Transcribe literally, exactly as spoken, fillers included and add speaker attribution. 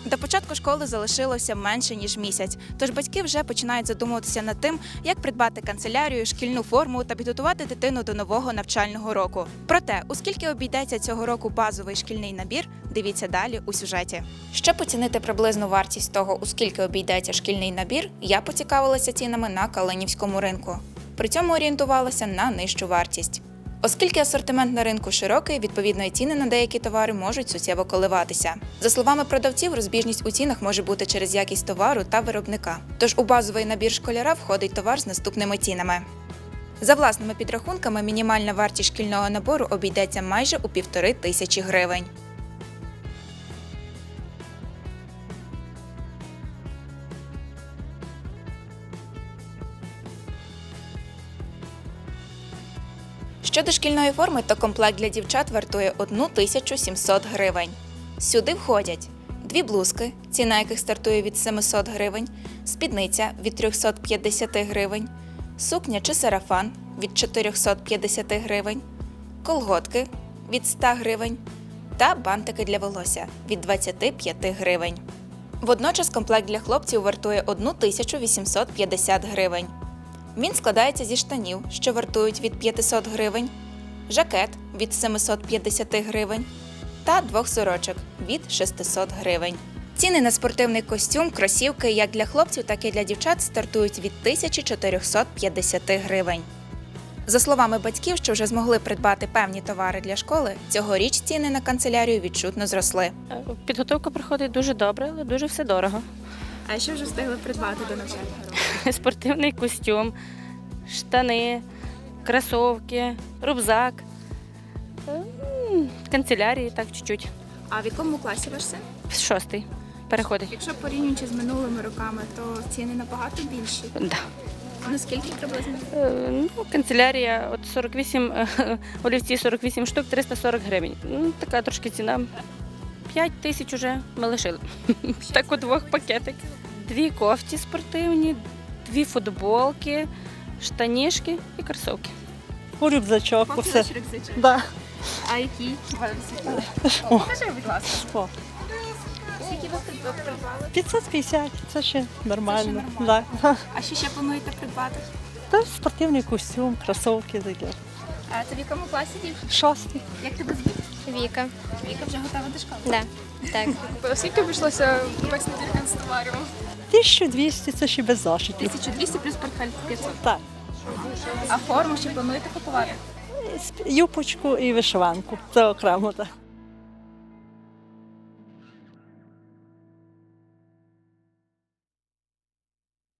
Speaker 1: До початку школи залишилося менше ніж місяць, тож батьки вже починають задумуватися над тим, як придбати канцелярію, шкільну форму та підготувати дитину до нового навчального року. Проте, у скільки обійдеться цього року базовий шкільний набір, дивіться далі у сюжеті. Щоб оцінити приблизну вартість того, у скільки обійдеться шкільний набір, я поцікавилася цінами на Калинівському ринку. При цьому орієнтувалася на нижчу вартість. Оскільки асортимент на ринку широкий, відповідно і ціни на деякі товари можуть суттєво коливатися. За словами продавців, розбіжність у цінах може бути через якість товару та виробника. Тож у базовий набір школяра входить товар з наступними цінами. За власними підрахунками, мінімальна вартість шкільного набору обійдеться майже у півтори тисячі гривень. Щодо шкільної форми, то комплект для дівчат вартує тисячу сімсот гривень. Сюди входять дві блузки, ціна яких стартує від сімсот гривень, спідниця від триста п'ятдесят гривень, сукня чи сарафан від чотириста п'ятдесят гривень, колготки від сто гривень та бантики для волосся від двадцять п'ять гривень. Водночас комплект для хлопців вартує тисячу вісімсот п'ятдесят гривень. Він складається зі штанів, що вартують від п'ятсот гривень, жакет від сімсот п'ятдесят гривень та двох сорочок від шістсот гривень. Ціни на спортивний костюм, кросівки як для хлопців, так і для дівчат стартують від тисячі чотириста п'ятдесят гривень. За словами батьків, що вже змогли придбати певні товари для школи, цьогоріч ціни на канцелярію відчутно зросли.
Speaker 2: Підготовка проходить дуже добре, але дуже все дорого.
Speaker 1: А що вже встигли придбати до навчального року?
Speaker 2: Спортивний костюм, штани, кросівки, рюкзак, м, канцелярії, так, чуть-чуть.
Speaker 1: А в якому класі ваш син?
Speaker 2: Шостий переходить.
Speaker 1: Якщо порівнюючи з минулими роками, то ціни набагато більші.
Speaker 2: Да.
Speaker 1: Наскільки приблизно?
Speaker 2: Е, Ну, канцелярія, от сорок вісім, е, олівці сорок вісім штук, триста сорок гривень. Ну, така трошки ціна. п'ять тисяч уже ми лишили. Так от двох пакетиків. Дві кофті спортивні, дві футболки, штанішки і кросівки.
Speaker 3: У рюкзачок,
Speaker 1: Поки
Speaker 3: усе.
Speaker 1: наш рюкзачок.
Speaker 3: Да.
Speaker 1: А який? Покажи, будь ласка.
Speaker 3: О,
Speaker 1: Скільки ви придбали?
Speaker 3: п'ятсот п'ятдесят, це ще нормально.
Speaker 1: Це ще нормально.
Speaker 3: Да.
Speaker 1: А що ще плануєте придбати?
Speaker 3: Та спортивний костюм, кросівки таке.
Speaker 1: А це в якому класі дівчина?
Speaker 3: Шостий.
Speaker 1: Як тебе звуть?
Speaker 4: Віка.
Speaker 1: Віка вже готова до школи?
Speaker 4: Да. Так.
Speaker 5: Скільки обійшлося весь набір канцтоварів?
Speaker 3: тисяча двісті, це ще без зашитів.
Speaker 1: тисяча двісті плюс портфель п'ятсот.
Speaker 3: Так.
Speaker 1: А форму ще плануєте купувати?
Speaker 3: Юпочку і вишиванку. Це окремо так.